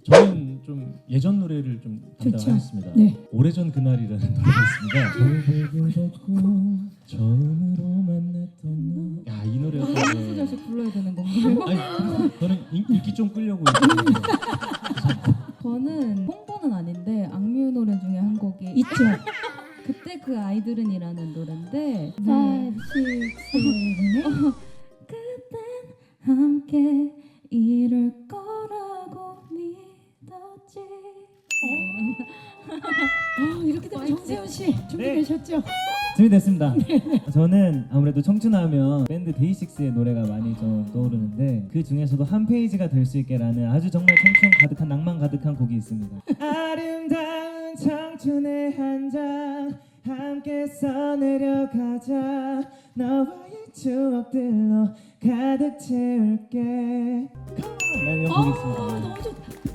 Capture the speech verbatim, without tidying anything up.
저는 좀 예전 노래를 좀 담당하겠습니다. 네. 오래전 그날이라는 노래가 있습니다. 처음으로 만났던 야, 이 노래가 한 네. 소절씩 불러야 되는 건가요? 아니, 저는 인, 인기 좀 끌려고 있는데 저는 홍보는 아닌데 악뮤 노래 중에 한 곡이 있죠. 그때 그 아이들은이라는 노래인데 five, six, seven, 그땐 함께 이룰 거라고 믿었지. 아, 이렇게 되면 정세훈 씨 준비되셨죠? 준비됐습니다. 저는 아무래도 청춘하면 밴드 데이식스의 노래가 많이 좀 떠오르는데 그 중에서도 한 페이지가 될 수 있게라는 아주 정말 청춘 가득한 낭만 가득한 곡이 있습니다. 아름다운 청춘의 한 장 함께 써내려가자 너와의 추억들로 가득 채울게. 라는 곡이 있습니다. 너무 좋다.